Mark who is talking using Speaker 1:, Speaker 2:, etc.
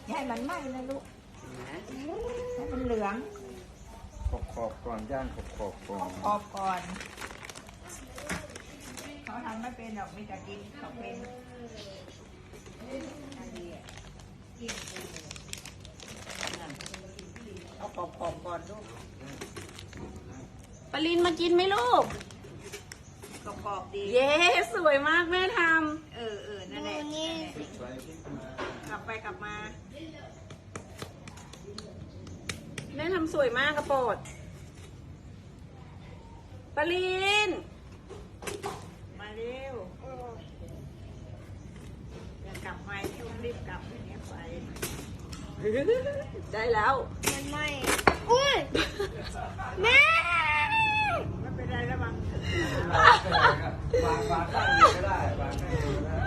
Speaker 1: อย่าให้มันไหม้นะลูกให้มันเหลือง
Speaker 2: ขอบก่อนย่างขอบก่อน
Speaker 1: ขอบก่อนเขาทำไม่เป็นหรอกมีแต่กินเขาเป็นเอาขอบก่อนลูก
Speaker 3: ปรินมากินไหมลูก
Speaker 1: กรอบดี
Speaker 3: เย้สวยมากแม่ท
Speaker 1: นั่นแหละกลับไปกลับมา
Speaker 3: ำแม่ทำสวยมากกระโปรดปริน
Speaker 1: มาเร็วอย่ากลับไปช่วงรีบกลับอย่างเงี้ยไป
Speaker 3: ได้แล้ว
Speaker 4: มันไหม้อุ้ยแม่
Speaker 1: ไม่เป็นไรระวัง
Speaker 2: วางตั้งก็ได้วางตั้งก็ได้